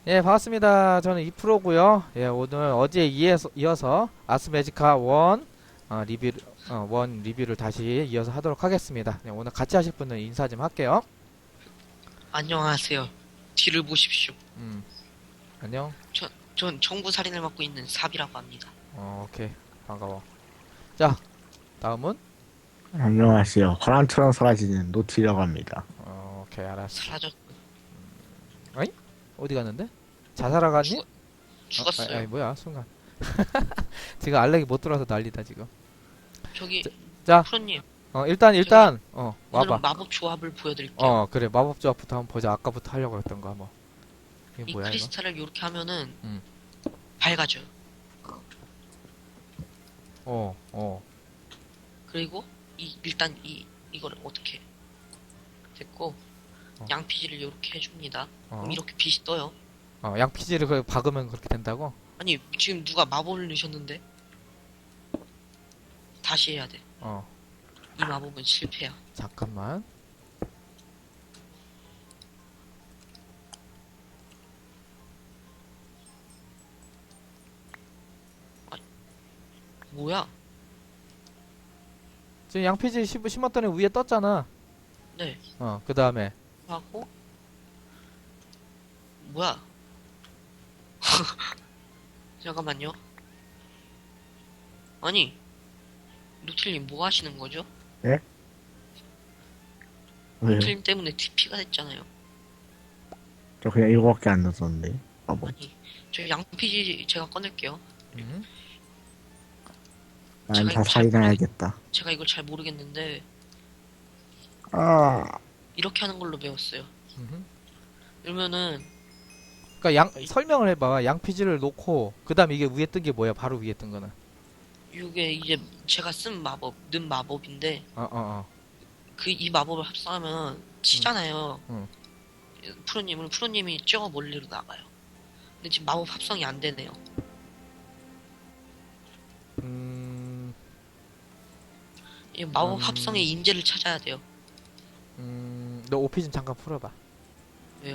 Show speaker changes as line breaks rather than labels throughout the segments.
예, 반갑습니다. 저는 이프로고요. 예, 오늘 어제에 이어서 아스메지카 리뷰, 원 리뷰를 다시 이어서 하도록 하겠습니다. 네, 오늘 같이 하실 분은 인사 좀 할게요.
안녕하세요. 뒤를 보십시오.
음, 안녕.
전 정부 살인을 맡고 있는 삽이라고 합니다.
오케이. 반가워. 자, 다음은?
안녕하세요. 바람처럼 사라지는 노티라고 합니다.
오케이, 알았어.
사라졌,
어이? 어디 갔는데? 자살하 갔니?
죽었어요.
아니, 뭐야, 순간. 지금 알렉이 못 들어와서 난리다, 지금.
저기,
자,
프로님, 제가
와봐.
오늘은 마법 조합을 보여드릴게요.
그래. 마법 조합부터 한번 보자. 아까부터 하려고 했던 거 한번. 이게
이
뭐야, 이거?
크리스탈을 이렇게 하면은
음.
밝아져요.
어, 어.
그리고 일단 이거를 어떻게 됐고
어.
양피지를 이렇게 해줍니다.
어.
그럼 이렇게 빛이 떠요.
양피지를 박으면 그렇게 된다고?
아니 지금 누가 마법을 넣으셨는데 다시 해야 돼.
어,
이 마법은 실패야.
잠깐만.
뭐야?
지금 양피지 심었더니 위에 떴잖아.
네.
그 다음에.
하고 뭐야? 잠깐만요. 아니, 노틸님 뭐 하시는 거죠?
예? 왜요?
노틸님 때문에 TP가 됐잖아요.
저 그냥 이거밖에 안 넣었는데. 아, 뭐.
아니, 저 양피지 제가 꺼낼게요.
음,
난
제가
다
이거 잘
살인해야겠다.
제가 이걸 잘 모르겠는데
아,
이렇게 하는 걸로 배웠어요.
음.
그러면은
그니까 설명을 해봐. 양피지를 놓고, 그 다음 이게 위에 뜬 게 뭐야? 바로 위에 뜬 거는.
이게 이제 제가 쓴 마법, 는 마법인데
어, 어, 어.
이 마법을 합성하면 치잖아요.
응.
프로님이 저 멀리로 나가요. 근데 지금 마법 합성이 안 되네요.
음,
이 마법
음,
합성의 인재를 찾아야 돼요.
너 오피 좀 잠깐 풀어봐.
왜요?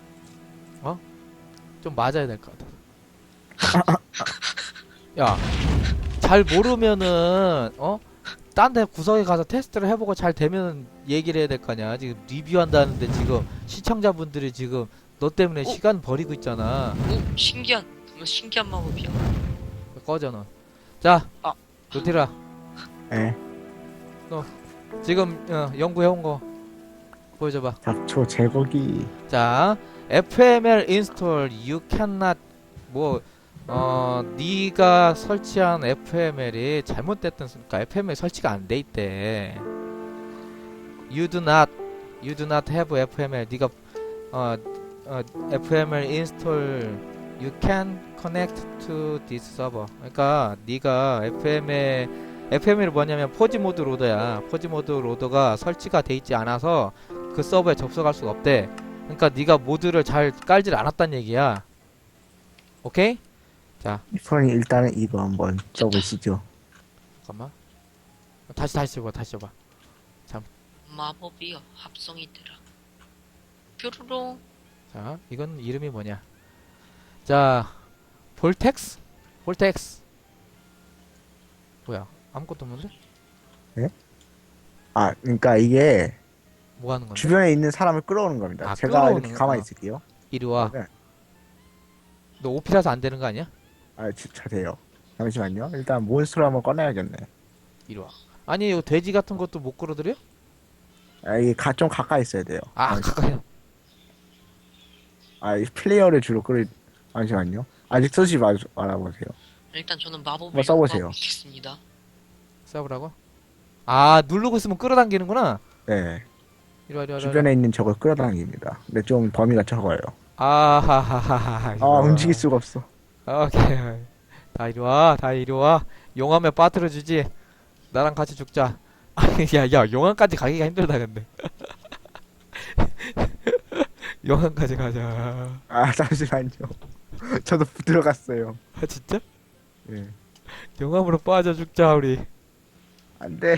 좀 맞아야 될 것 같아. 야, 잘 모르면은, 딴 데 구석에 가서 테스트를 해보고 잘 되면 얘기를 해야 될 거 아니야. 지금 리뷰한다는데 지금 시청자분들이 지금 너 때문에
어?
시간 버리고 있잖아.
오, 신기한 마법이야.
꺼져 너. 자,
아,
노티라.
예.
지금 연구해온 거 보여줘봐.
잡초 제거기.
자, FML install you cannot 뭐 네가 설치한 FML이 잘못됐던 그러니까 FML 설치가 안 돼 있대. You do not have FML. 네가 어, FML install you can connect to this server. 그러니까 네가 FML이 뭐냐면 포지 모드 로더야. 포지 모드 로더가 설치가 돼 있지 않아서 그 서버에 접속할 수가 없대. 그러니까 네가 모드를 잘 깔질 않았단 얘기야. 오케이? 자,
이프로님 일단은 이거 한번 써보시죠.
잠깐만. 다시 줘봐, 다시 줘봐.
마법이요. 합성이 되라. 뾰로롱.
자, 이건 이름이 뭐냐? 자, 볼텍스? 볼텍스. 뭐야? 아무것도 없는데?
예? 아, 그러니까 이게
뭐 하는 건데?
주변에 있는 사람을 끌어오는 겁니다.
아,
제가
끌어오는
이렇게
거.
가만히 있을게요.
이리 와.
그러면,
너 오피라서 안 되는 거 아니야?
아, 진짜 돼요. 잠시만요. 일단 몬스터를 한번 꺼내야겠네.
이리 와. 아니, 이거 돼지 같은 것도 못 끌어들여?
아, 이게 좀 가까이 있어야 돼요.
아, 가까이.
이 플레이어를 주로 잠시만요. 아직 쓰지 말아보세요.
일단 저는 마법을
한번 써보세요.
연구하겠습니다.
써보라고? 아, 누르고 있으면 끌어당기는구나.
네.
이리 와, 이리 와, 이리 와.
주변에 있는 적을 끌어당깁니다. 근데 좀 범위가 적어요.
아하하하하.
아, 움직일 수가 없어.
오케이. 다 이리 와, 다 이리 와. 용암에 빠뜨려주지. 나랑 같이 죽자. 아니, 야, 용암까지 가기가 힘들다, 근데. 용암까지 가자.
아, 잠시만요. 저도 들어갔어요.
아, 진짜?
예.
용암으로 빠져 죽자, 우리.
안 돼.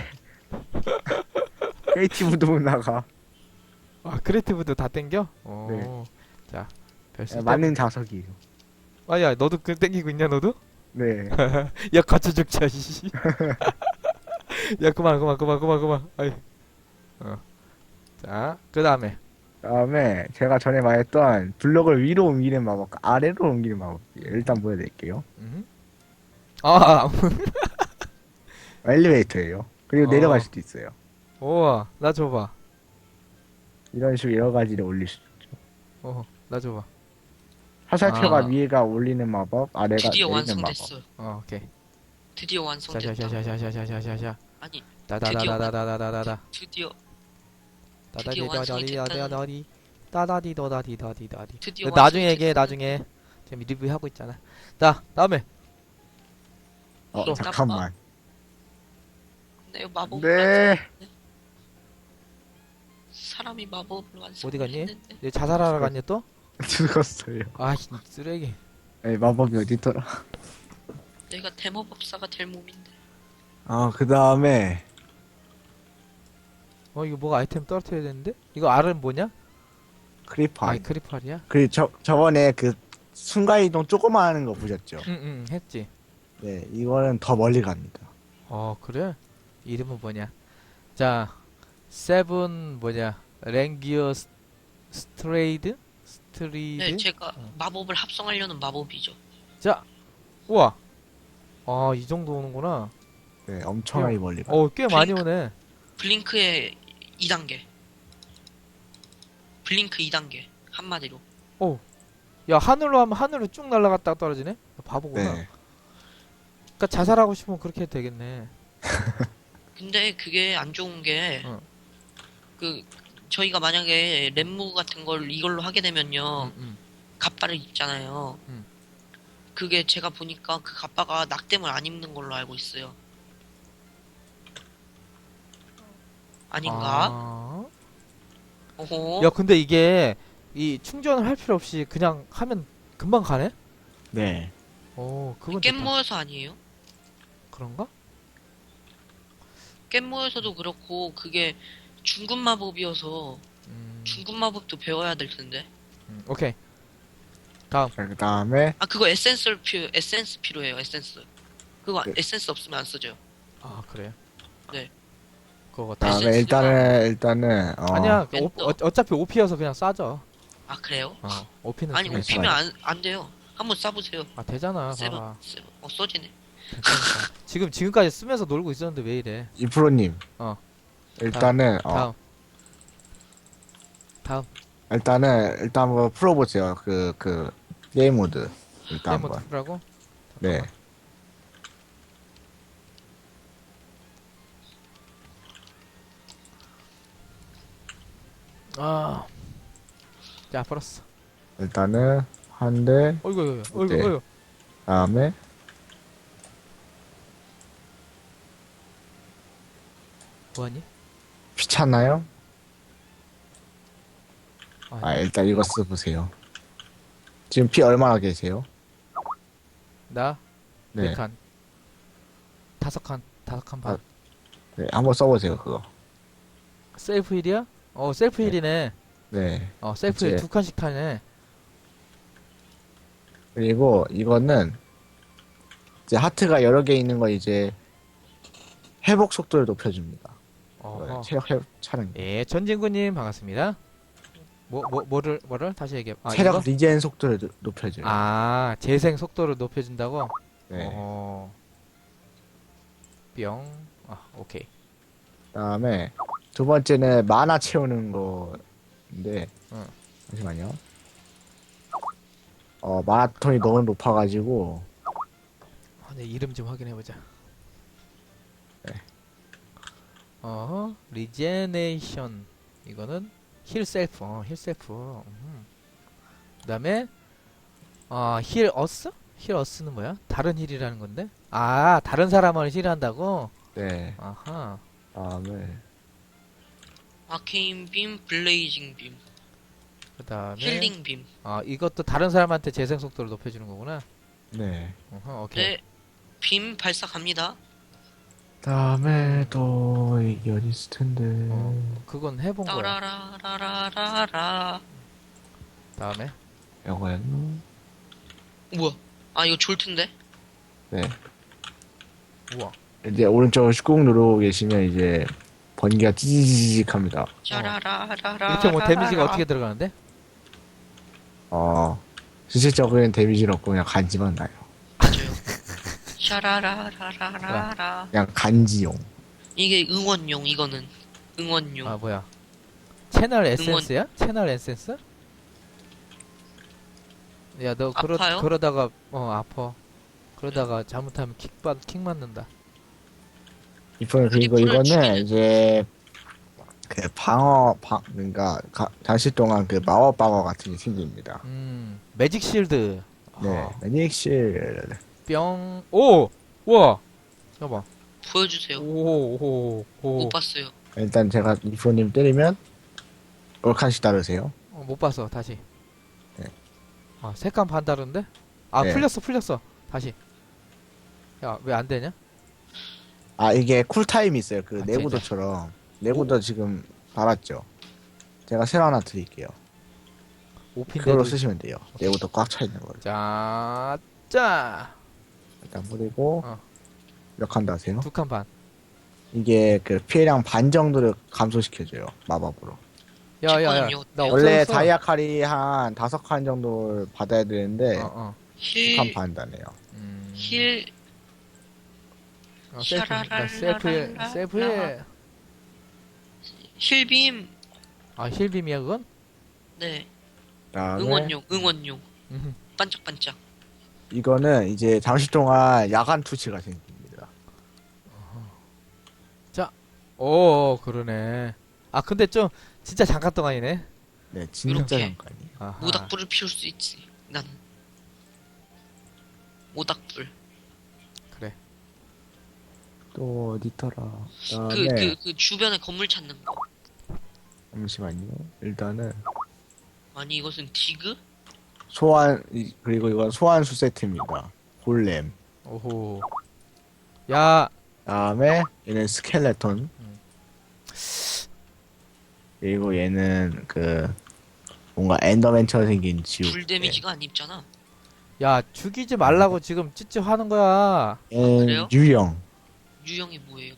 크리에이티브도 못 나가.
아, 크리에이티브도 다 땡겨?
네.
자, 별 쓸데없-
맞는 자석이에요.
아야 너도 그 땡기고 있냐 너도?
네.
야 같이 죽자 씨. 야 그만. 아이. 자 그다음에
다음에 제가 전에 말했던 블럭을 위로 옮기는 마법과 아래로 옮기는 마법 일단 보여드릴게요.
아
엘리베이터예요. 그리고 내려갈
어.
수도 있어요.
우와 나 줘봐.
이런 식으로 여러 가지를 올릴 수 있죠.
나 줘봐.
화살표가
아.
위에가 올리는 마법, 아래가
드디어
내리는 마법.
완성됐어요.
오케이.
드디어 완성됐다.
샤샤샤샤샤샤샤샤.
아니
다다다다다다다다다.
드디어
다다디다다디다다디. 다다디도다디다디다디.
드디어
나중에 얘기해
완성됐다는
나중에. 지금 리뷰 하고 있잖아. 자 다음에
또.
잠깐만.
네, 마법을
네.
완성했네. 사람이 마법을
어디 갔니?
완성했는데
얘 자살하러 갔냐 또?
죽었어요.
아 쓰레기.
에이, 마법이 어딨더라.
내가 대마법사가 될 몸인데.
그 다음에,
이거 뭐가 아이템 떨어뜨려야 되는데? 이거 R은 뭐냐?
크리퍼.
아이 크리팔이야?
저번에 그 순간이동 조그만 하는 거 보셨죠?
응 했지.
네, 이거는 더 멀리 갑니다.
그래? 이름은 뭐냐? 자, 세븐 뭐냐? 랭기어 스트레이드? 스트리드?
네, 제가 마법을 합성하려는 마법이죠.
자, 우와. 이 정도 오는구나.
네, 엄청나게 멀리 가.
꽤 많이 오네.
블링크의 2단계. 블링크 2단계. 한마디로.
야, 하늘로 하면 하늘로 쭉 날아갔다가 떨어지네? 바보구나.
네.
그니까 자살하고 싶으면 그렇게 해도 되겠네.
근데 그게 안 좋은 게,
어.
저희가 만약에 랩무 같은 걸 이걸로 하게 되면요,
응.
갑바를 입잖아요.
음.
그게 제가 보니까 그 갑바가 낙뎀을 안 입는 걸로 알고 있어요. 아닌가? 어허.
야, 근데 이게 이 충전을 할 필요 없이 그냥 하면 금방 가네?
네.
그건
깻
좋다.
모여서 아니에요?
그런가?
깻 모여서도 그렇고 그게 중급 마법이어서 중급 마법도 배워야 될 텐데.
오케이.
자, 그 다음에,
아 그거 에센스 필요해요. 에센스. 그거
네.
에센스 없으면 안 써져요.
그래요?
네.
그거
에센스가-
일단은,
아니야.
엔터.
어차피 OP여서 그냥 싸져.
아 그래요?
OP는
아니
네,
오피면 안 돼요. 한번 쏴보세요.
되잖아.
세븐
봐봐.
써지네.
괜찮으니까. 지금까지 쓰면서 놀고 있었는데 왜 이래?
이프로님.
어.
일단은,
다음.
일단 한번 풀어보세요. 게임 모드. 일단
데모
한번.
투라고?
네.
자, 풀었어.
일단은, 한 대,
어이구.
네. 다음에,
뭐하니?
귀찮나요?
아니,
일단 이거 써보세요. 지금 피 얼마나 계세요?
나?
네.
4칸. 5칸. 5칸 반.
네, 한번 써보세요, 그거.
셀프 힐이야? 셀프 힐이네.
네.
셀프 힐
이제-
2칸씩 타네.
그리고 이거는, 이제 하트가 여러 개 있는 거 이제, 회복 속도를 높여줍니다. 체력 회복 차는 거.
예, 전진구님 반갑습니다. 뭐를 다시 얘기해.
체력
이거?
리젠 속도를 높여줘요.
재생 속도를 높여준다고?
네.
뿅. 오케이.
그다음에 두 번째는 마나 채우는 거인데,
응.
잠시만요. 마라톤이 너무 높아가지고,
내 이름 좀 확인해보자.
네.
리제네이션. 이거는 힐 셀프. 힐 셀프. 그 다음에, 힐 어스? 힐 어스는 뭐야? 다른 힐이라는 건데? 다른 사람을 힐한다고?
네.
아하.
다음에
아케인 빔, 블레이징 빔,
그 다음에,
힐링 빔.
이것도 다른 사람한테 재생 속도를 높여주는 거구나.
네.
오케이.
네. 빔 발사 갑니다.
다음에 또 이게 어디 있을 텐데.
그건 해본 거야.
따라라라라라.
다음에,
이거는
뭐야? 아 이거 졸트인데?
네.
우와.
이제 오른쪽을 꾹 누르고 계시면 이제 번개가 찌직합니다.
짜라라라라.
이렇게 뭐 데미지가 어떻게 들어가는데?
실질적인 데미지는 없고 그냥 간지만 나요.
맞아요. 샤라라라라라.
그냥 간지용.
이게 응원용 이거는 응원용.
아 뭐야? 채널 에센스야? 채널 에센스? 야 너
아파요?
그러다가 아파. 그러다가 잘못하면 킥 맞는다.
그리고
트리플을
이거는
죽이는-
이제 그 그러니까 잠시 동안 그 마법 방어 같은 게 생깁니다.
매직 실드.
네, 매닉실.
뿅. 오! 우와! 잠깐만.
보여주세요.
오.
못 봤어요.
일단 제가 이프로님 때리면 얼칸씩 따르세요.
못 봤어. 다시.
네.
아, 색감 반 다른데? 아,
네.
풀렸어. 다시. 야, 왜 안 되냐?
이게 쿨타임이 있어요. 그
아,
내구도처럼. 내구도 지금 달았죠. 제가 새로 하나 드릴게요. 그걸로
5핀데도.
쓰시면 돼요. 내구도 꽉 차 있는 거를.
짜.
일단 뿌리고
어.
몇 칸 다세요?
두 칸 반.
이게 그 피해량 반 정도를 감소시켜줘요. 마법으로.
야.
지금은요,
나
원래
없어졌어.
다이아 칼이 한 5칸 정도를 받아야 되는데
어.
2칸 반 다네요.
힐
셀프. 나 셀프해.
힐빔.
아, 힐빔이야, 그건?
네.
그다음에
응원용.
음.
반짝반짝.
이거는 이제 잠시 동안 야간 투치가 생깁니다.
오, 그러네. 아, 근데 좀, 진짜 잠깐 동안이네.
네, 진짜
이렇게.
잠깐이에요.
아하.
모닥불을 피울 수 있지. 나는 모닥불.
그래.
또 어디더라?
그
그다음에
주변에 건물 찾는 거.
잠시만요. 일단은
아니 이것은 디그?
그리고 이건 소환수 세트입니다. 골렘.
오호. 야,
다음에 얘는 스켈레톤. 그리고 얘는 그 뭔가 엔더맨처럼 생긴 지우.
불 데미지가 안 입잖아.
야, 죽이지 말라고 지금 찌찌하는 거야.
얘는
그래요?
유형.
유형이 뭐예요?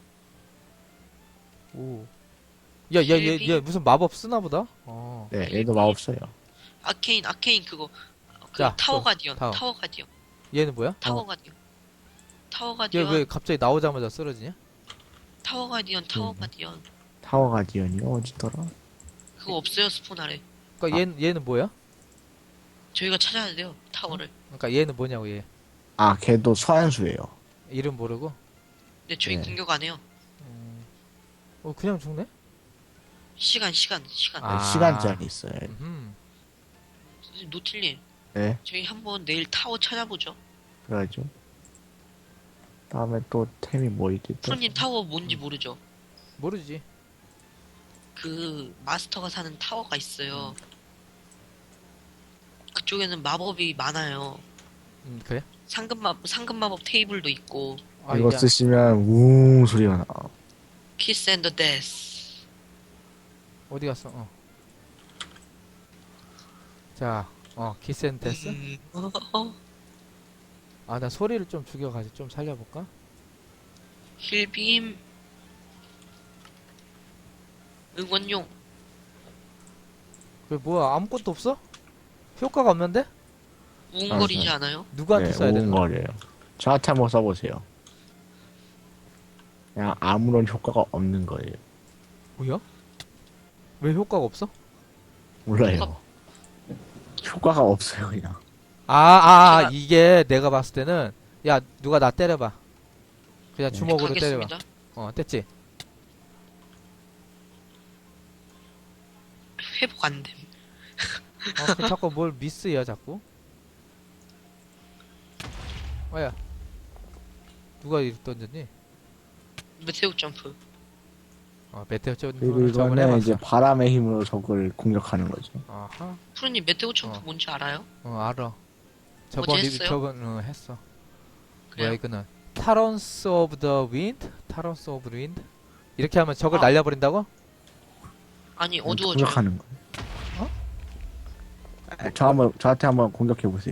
오. 야, 얘 무슨 마법 쓰나 보다?
네, 얘도 마법써요.
아케인 그거. 그
자,
타워
또,
가디언.
타워.
타워 가디언.
얘는 뭐야?
타워 가디언. 타워
얘
가디언.
왜 갑자기 나오자마자 쓰러지냐?
타워 가디언. 타워 가디언.
타워 가디언이요? 어디더라?
그거 없어요 스폰 아래.
그러니까 얘는 뭐야?
저희가 찾아야 돼요 타워를.
그러니까 얘는 뭐냐고 얘.
걔도 소환수예요.
이름 모르고.
근데 저희
네.
공격 안 해요.
그냥 죽네?
시간.
아.
시간짜리 있어요.
노틸님
네,
저희 한번 내일 타워 찾아보죠.
그래야죠. 다음에 또 템이 뭐 있지? 또?
프로님 타워 뭔지 모르죠?
모르지.
그 마스터가 사는 타워가 있어요. 그쪽에는 마법이 많아요.
그래?
상금 마법 테이블도 있고.
아,
이거
야.
쓰시면 웅 소리가 나.
키스 앤더 데스.
어디 갔어? 자, 키센테스? 아, 나 소리를 좀 죽여가지고 좀 살려볼까?
힐빔. 응원용.
왜 뭐야 아무것도 없어? 효과가 없는데?
우웅거리지 않아요?
누구한테 써야 되는 거야?
우웅거려요. 저한테 한번 써보세요. 그냥 아무런 효과가 없는 거예요.
뭐야? 왜 효과가 없어?
몰라요. 효과가 없어요, 그냥.
이게 내가 봤을 때는 야 누가 나 때려봐. 그냥
네.
주먹으로 때려봐.
가겠습니다.
뗐지?
회복 안 됨.
그 자꾸 뭘 미스야 자꾸. 야 누가 이렇게 던졌니?
메테오 점프.
메테오
그리고
저번에
이거는
해봤어.
이제 바람의 힘으로 적을 공격하는 거죠.
아하.
프로님 메테오 점프
어.
뭔지 알아요?
알아.
했어요?
저번 했어. 뭐야
그래요?
이거는 타런스 오브 더 윈드? 타런스 오브 윈드? 이렇게 하면 적을
아.
날려버린다고?
아니 어두워져요.
공격하는 거. 저한테 한번 공격해 보세요.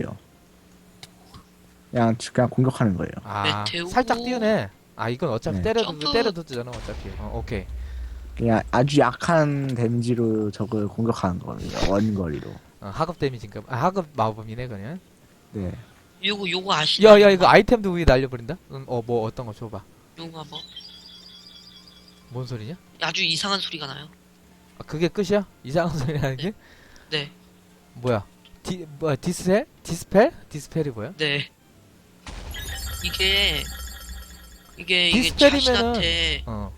그냥 공격하는 거예요.
아,
메테오.
살짝 띄우네. 아, 이건 어차피
네.
점프.
때려도 되잖아, 어차피. 오케이.
그냥 아주 약한 데미지로 적을 공격하는 겁니다. 원거리로.
하급 데미지인가 봐. 아, 하급 마법이네, 그냥.
네.
요거 아시죠?
야, 이거 아이템도 위에 날려버린다? 뭐, 어떤 거 줘봐.
요거 한번.
뭔 소리냐?
아주 이상한 소리가 나요.
아, 그게 끝이야? 이상한 소리 하는 게?
네.
뭐야? 디스펠? 디스펠? 디스펠이 뭐야?
네. 이게
디스펠이면은-
자신한테
어.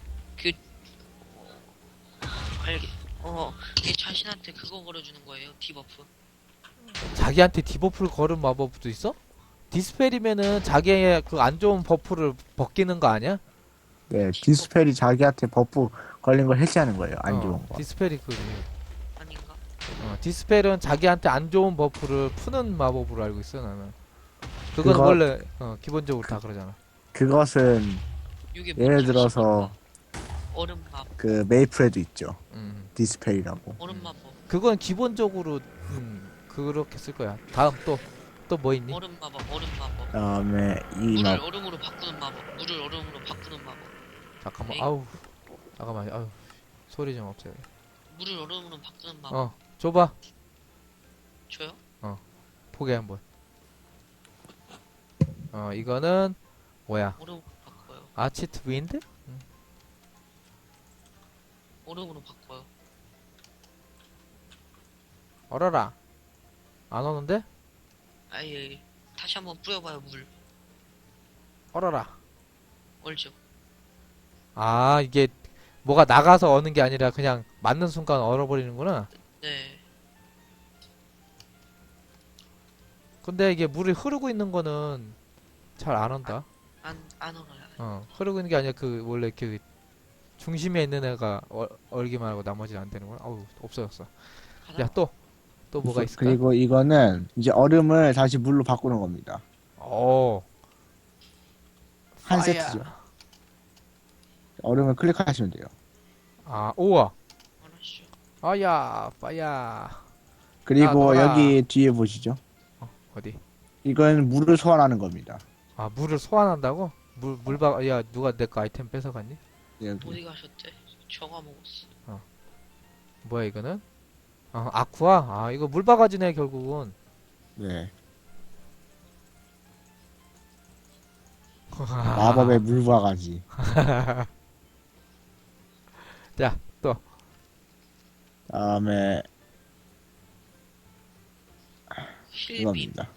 이게 자신한테 그거 걸어주는 거예요. 디버프.
자기한테 디버프를 걸은 마법도 있어? 디스펠이면은 자기의 그 안 좋은 버프를 벗기는 거 아니야?
네. 디스펠이 자기한테 버프 걸린 걸 해지하는 거예요. 안 좋은 거.
디스펠이 그지.
아닌가?
디스펠은 자기한테 안 좋은 버프를 푸는 마법으로 알고 있어, 나는. 그건
그거-
원래, 기본적으로 다 그러잖아.
그것은
요게
예를
뭔지
들어서
아십니까? 얼음 마법.
그 메이플에도 있죠.
음.
디스펠이라고.
얼음 마법.
그건 기본적으로, 그렇게 쓸 거야. 다음 또 뭐 있니?
얼음 마법. 얼음 마법.
그다음에 이
물을
막
얼음으로 바꾸는 마법. 물을 얼음으로 바꾸는 마법.
잠깐만,
에이.
잠깐만, 소리 좀 없애요.
물을 얼음으로 바꾸는 마법.
줘봐.
줘요?
포개 한번. 이거는, 뭐야?
얼음으로 바꿔요.
아치트 윈드?
얼음으로 바꿔요.
얼어라. 안 오는데?
아예 다시 한번 뿌려봐요. 물.
얼어라.
얼죠.
아, 이게 뭐가 나가서 어는 게 아니라 그냥 맞는 순간 얼어버리는구나.
네.
근데 이게 물이 흐르고 있는 거는 잘 안 온다.
안 얼어요.
흐르고 있는 게 아니라 그 원래 그 중심에 있는 애가 얼기만 하고 나머지는 안 되는구나. 어우, 없어졌어.
가자.
야, 또 뭐가 있을까?
그리고 이거는 이제 얼음을 다시 물로 바꾸는 겁니다. 한
파이어.
세트죠. 얼음을 클릭하시면 돼요.
아, 우와.
알았죠.
아야, 파이어.
그리고
놀아.
여기 뒤에 보시죠.
어디?
이건 물을 소환하는 겁니다.
아, 물을 소환한다고? 야, 누가 내 거 아이템 뺏어갔니?
여기.
어디 가셨대? 저가 먹었어.
뭐야, 이거는? 아쿠아? 아, 이거 물바가지네, 결국은.
네.
아.
마법의 물바가지.
자, 또.
다음에
힐빔.
이겁니다.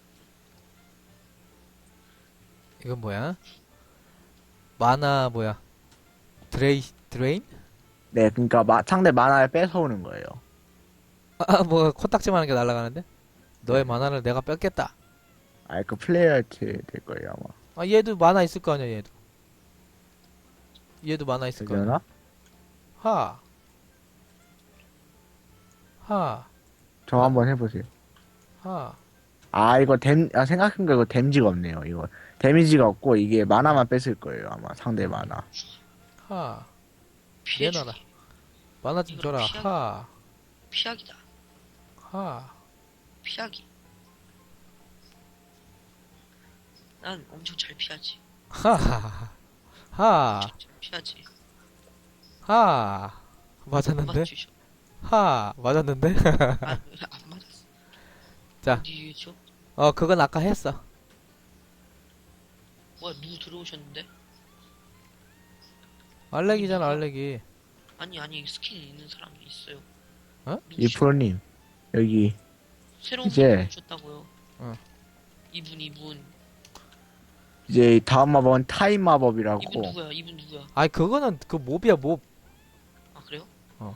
이건 뭐야? 마나, 뭐야? 드레인?
네, 그러니까 상대 만화를 뺏어오는 거예요.
뭐, 코딱지만 하는 게 날아가는데? 너의 만화를 내가 뺏겠다.
그 플레이어한테 될 거예요 아마.
얘도 만화 있을 거 아니야, 얘도 만화 있을 거 아니야.
되려나? 저 한번 해보세요. 이거 생각해보니까 이거 데미지가 없네요. 이거 데미지가 없고 이게 만화만 뺏을 거예요 아마 상대 만화.
피해주기.
내놔라. 만화 좀
이거는
줘라.
피하기다. 피하기. 난 엄청 잘 피하지. 엄청 잘 피하지.
맞았는데?
맞추셔.
맞았는데?
안 맞았어.
자.
어디죠?
그건 아까 했어.
뭐야, 누구 들어오셨는데?
알렉이잖아, 알렉이.
아니, 스킨 있는 사람이 있어요. 누구시죠?
이프로님 여기
새로운
이제-
분 오셨다고요. 이분.
이제 다음 마법은 타임 마법이라고.
이분 누구야?
아니, 그거는 그 몹이야, 몹.
아, 그래요?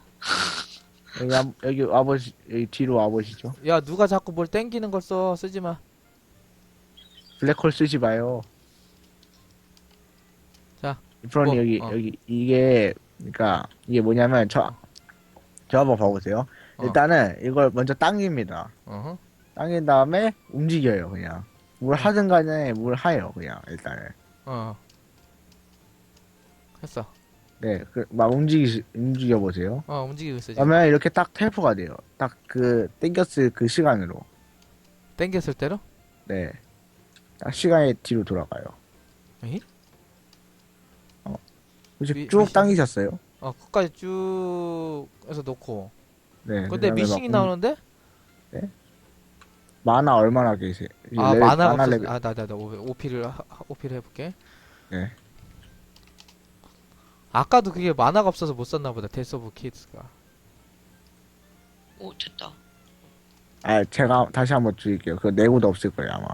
여기 와보시 여기 뒤로 와보시죠.
야, 누가 자꾸 뭘 땡기는 걸 쓰지 마.
블랙홀 쓰지 마요.
자,
이프로님
뭐,
여기 이게 그러니까 이게 뭐냐면 저 한번 봐보세요. 일단은 이걸 먼저 당깁니다.
어허.
당긴 다음에 움직여요 그냥. 뭘 하든 간에 뭘 해요 그냥 일단은.
했어.
네, 막 움직여보세요.
움직이고 있어 지금.
그러면 이렇게 딱 텔포가 돼요. 딱 땡겼을 그 시간으로.
땡겼을 때로?
네. 딱 시간이 뒤로 돌아가요.
에이?
혹시
미-
쭉
미션?
당기셨어요?
끝까지 쭉 해서 놓고.
네.
근데
그다음에
미싱이 나오는데?
만화 얼마나 계세요?
만화가
만화
없어서.
레벨.
나 오피를 해볼게.
네.
아까도 그게 만화가 없어서 못 썼나 보다. 데스 오브 키드가.
오, 됐다.
제가 다시 한번 드릴게요. 그 내구도 없을 거예요, 아마.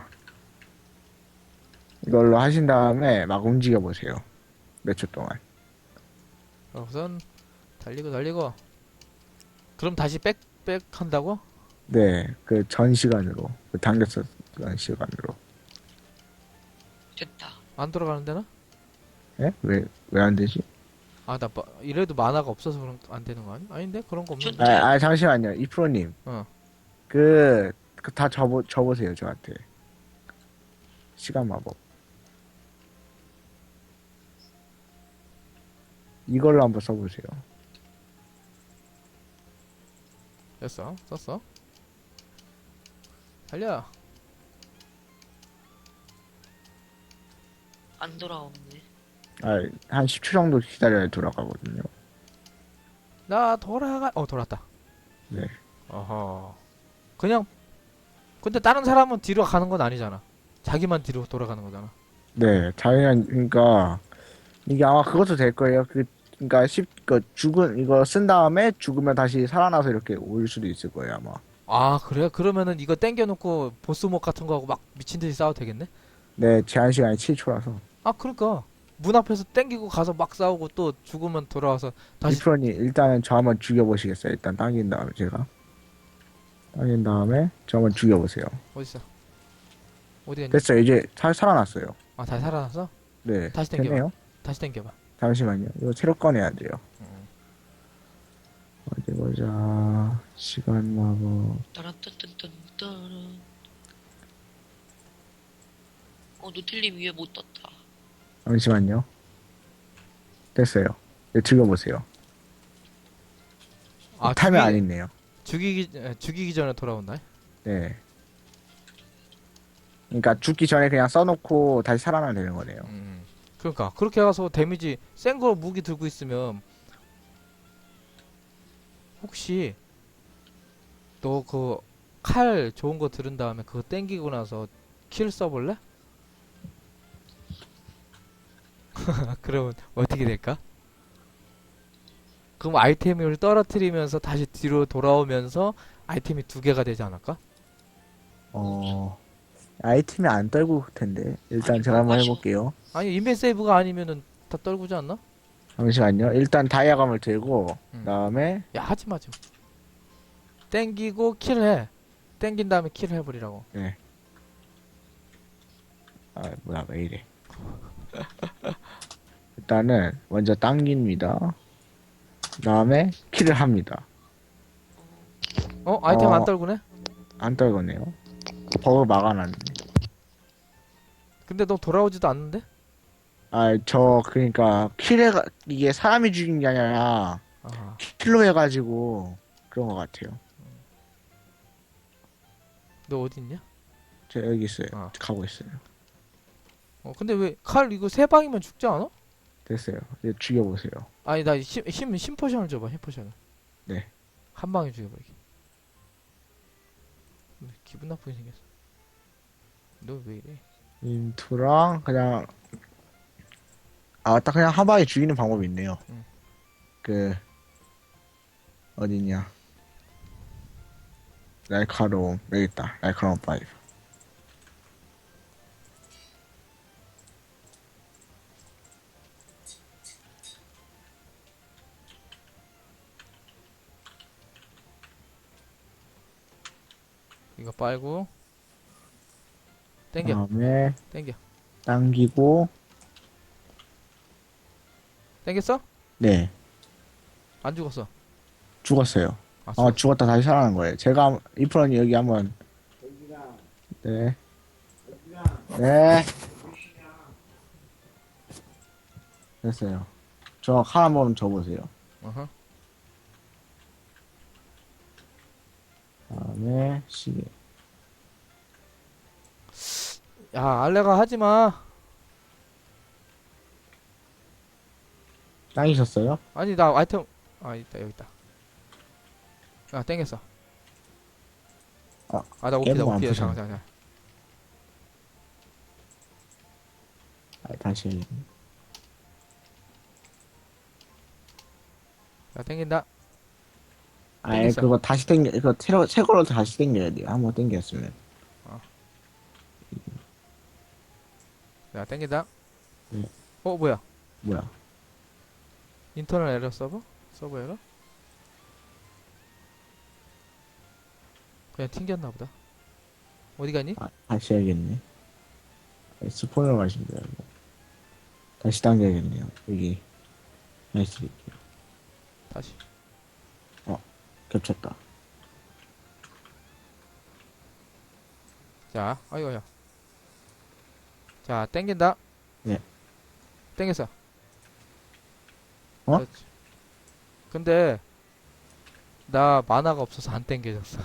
이걸로 하신 다음에 막 움직여보세요. 몇 초 동안.
우선 달리고. 그럼 다시 백 한다고?
네. 그 전 시간으로. 그 당겼었던 시간으로.
됐다.
안 돌아가는 데나?
예? 왜 안 되지?
이래도 만화가 없어서 그런 안 되는 거 아니? 아닌데 그런 거 없는데.
잠시만요. 이프로님.
어.
다 접으세요, 저한테. 시간 마법. 이걸로 한번 써보세요.
됐어. 썼어. 달려.
안 돌아오네.
한 10초 정도 기다려야 돌아가거든요.
나 돌아가. 돌았다.
네.
어허. 그냥 근데 다른 사람은 뒤로 가는 건 아니잖아. 자기만 뒤로 돌아가는 거잖아.
네, 그러니까, 이게 아마 그것도 될 거예요. 그러니까, 이거 쓴 다음에 죽으면 다시 살아나서 이렇게 올 수도 있을 거예요, 아마.
그래? 그러면은 이거 땡겨놓고 보스목 같은 거 하고 막 미친 듯이 싸워도 되겠네?
네, 제한 시간이 7초라서.
그러니까 문 앞에서 땡기고 가서 막 싸우고 또 죽으면 돌아와서 다시.
이프로님, 일단은 저 한번 죽여보시겠어요? 일단 당긴 다음에, 제가. 당긴 다음에, 저 한번 죽여보세요.
어딨어? 어디 갔니?
됐어요, 이제 살아났어요.
다시 살아났어?
네,
다시 땡겨봐.
됐네요.
다시 땡겨봐.
잠시만요. 이거 새로 꺼내야 돼요.
음.
어디 보자. 시간 마법.
따란딴딴딴따란. 노틸님 위에 못 떴다.
잠시만요. 됐어요. 네, 죽여보세요. 타면 안 있네요.
죽이기 전에 돌아온다.
네. 그러니까 죽기 전에 그냥 써놓고 다시 살아나면 되는 거네요.
그러니까 그렇게 가서 데미지 센 거 무기 들고 있으면 혹시 너 그 칼 좋은 거 들은 다음에 그거 땡기고 나서 킬 써볼래? 그러면 어떻게 될까? 그럼 아이템을 떨어뜨리면서 다시 뒤로 돌아오면서 아이템이 두 개가 되지 않을까?
아이템이 안 떨고 올 텐데. 일단
아니,
제가 한번
마셔.
해볼게요.
아니 인벤 세이브가 아니면은 다 떨구지 않나?
잠시만요. 일단 다이아감을 들고, 그다음에,
야 하지마 좀. 땡기고 킬해. 땡긴 다음에 킬을 해버리라고.
네. 뭐야, 왜 이래. 일단은, 먼저 당깁니다. 그다음에, 킬을 합니다.
아이템 안
어.
떨구네?
안 떨거네요. 버그 막아놨네.
근데 너 돌아오지도 않는데?
그러니까, 이게 사람이 죽인 게 아니라,
아,
킬로 해가지고, 그런 것 같아요.
너 어디 있냐?
저 여기 있어요.
아.
가고 있어요.
근데 왜 칼 이거 세 방이면 죽지 않아?
됐어요. 이제 죽여보세요.
아니 나 힘 포션을 줘봐. 힘 포션을.
네.
한 방에 죽여버리게. 기분 나쁘게 생겼어. 너 왜 이래?
인투랑, 그냥, 딱 그냥 한 방에 죽이는 방법이 있네요.
응.
어디냐. 날카로움. 여기 있다. 날카로움 5.
이거 빨고 땡겨.
다음에,
땡겨.
당기고,
땡겼어?
네.
안 죽었어.
죽었어요.
죽었어.
죽었다 다시 살아난 거예요. 제가, 이프로님 여기 한번. 네. 네. 됐어요. 저 칼 한번 줘보세요.
어허.
다음에 시계.
야, 알레가 하지 마.
짱이셨어요?
아니, 나 아이템. 아, 있다, 여기 있다. 아, 땡겼어.
아,
나 오피다,
깨고 안
오피다.
부셨네.
잠깐.
다시.
자, 땡긴다.
아예
땡겼어.
그거 다시 땡겨, 이거 새 거로 다시 땡겨야 돼요. 한번 땡겼으면.
자, 땡긴다.
네.
뭐야?
뭐야?
인터널 에러 서버? 서버 에러? 그냥 튕겼나 보다. 어디 갔니?
다시 해야겠네. 스폰으로 가시면 돼요. 다시 당겨야겠네요. 여기. 나이스 드릴게요.
다시.
겹쳤다.
자, 아이고야. 자, 땡긴다.
네.
땡겼어.
어?
그렇지. 근데 나 만화가 없어서 안 땡겨졌어.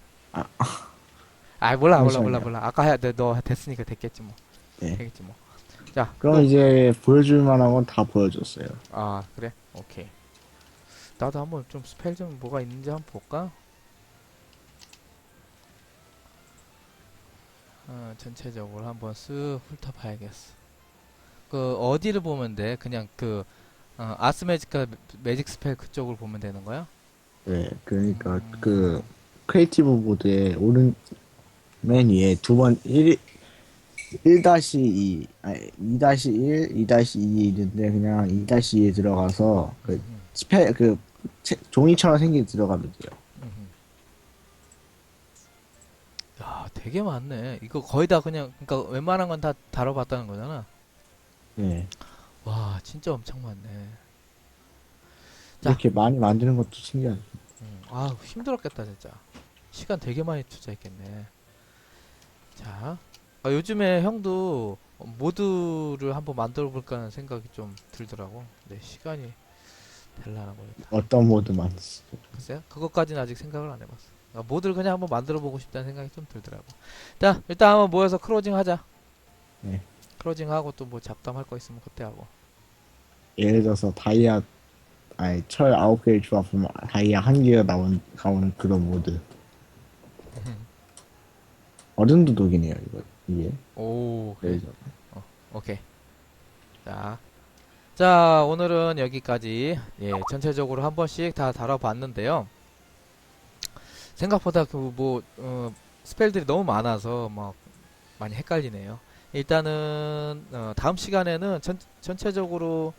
몰라.
잠시만요.
아까 너 됐으니까 됐겠지 뭐.
네.
되겠지 뭐. 자,
그럼
또.
이제 보여줄 만한 건 다 보여줬어요.
아, 그래? 오케이. 나도 한번 좀 스펠 좀 뭐가 있는지 한번 볼까? 전체적으로 한번 쓱 훑어봐야겠어. 그 어디를 보면 돼? 그냥 그 아스매직과 매직 스펠 그쪽을 보면 되는 거야?
네, 그러니까 그 크리에이티브 보드의 오른 맨 위에 두 번 1-2 아니 2-1, 2-2 있는데 그냥 2-2에 들어가서 그 스페 그 종이처럼 생긴 들어가면 돼요.
야, 되게 많네. 이거 거의 다 그냥 그러니까 웬만한 건 다 다뤄봤다는 거잖아.
네.
와, 진짜 엄청 많네. 자.
이렇게 많이 만드는 것도 신기하죠.
힘들었겠다 진짜. 시간 되게 많이 투자했겠네. 자, 요즘에 형도 모드를 한번 만들어 볼까 하는 생각이 좀 들더라고. 근데 시간이 될라나 모르겠다.
어떤 모드 만드시죠?
글쎄요, 그것까지는 아직 생각을 안 해봤어. 모드를 그냥 한번 만들어 보고 싶다는 생각이 좀 들더라고. 자, 일단 한번 모여서 크로징 하자.
네.
크로징 하고 또 뭐 잡담할 거 있으면 그때 하고.
예를 들어서 철 9개를 조합하면 다이아 1개가 나오는 그런 모드. 어른도 독이네요, 이게.
오, 그래.
예를 들어.
오케이. 자, 오늘은 여기까지. 예, 전체적으로 한 번씩 다 다뤄봤는데요. 생각보다 스펠들이 너무 많아서 막 많이 헷갈리네요. 일단은 다음 시간에는 전체적으로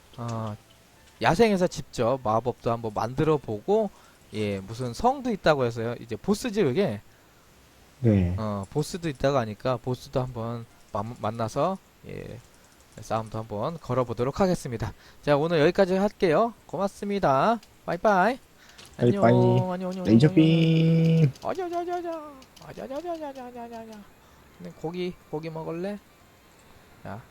야생에서 직접 마법도 한번 만들어 보고, 예, 무슨 성도 있다고 해서요. 이제 보스지 이게.
네.
보스도 있다고 하니까 보스도 한번 만나서, 예, 싸움도 한번 걸어보도록 하겠습니다. 자, 오늘 여기까지 할게요. 고맙습니다. 빠이빠이. 안녕.
빠이빠이.
안녕.
레이저빔.
아자자자자. 아자자자자자자자. 고기 먹을래? 자.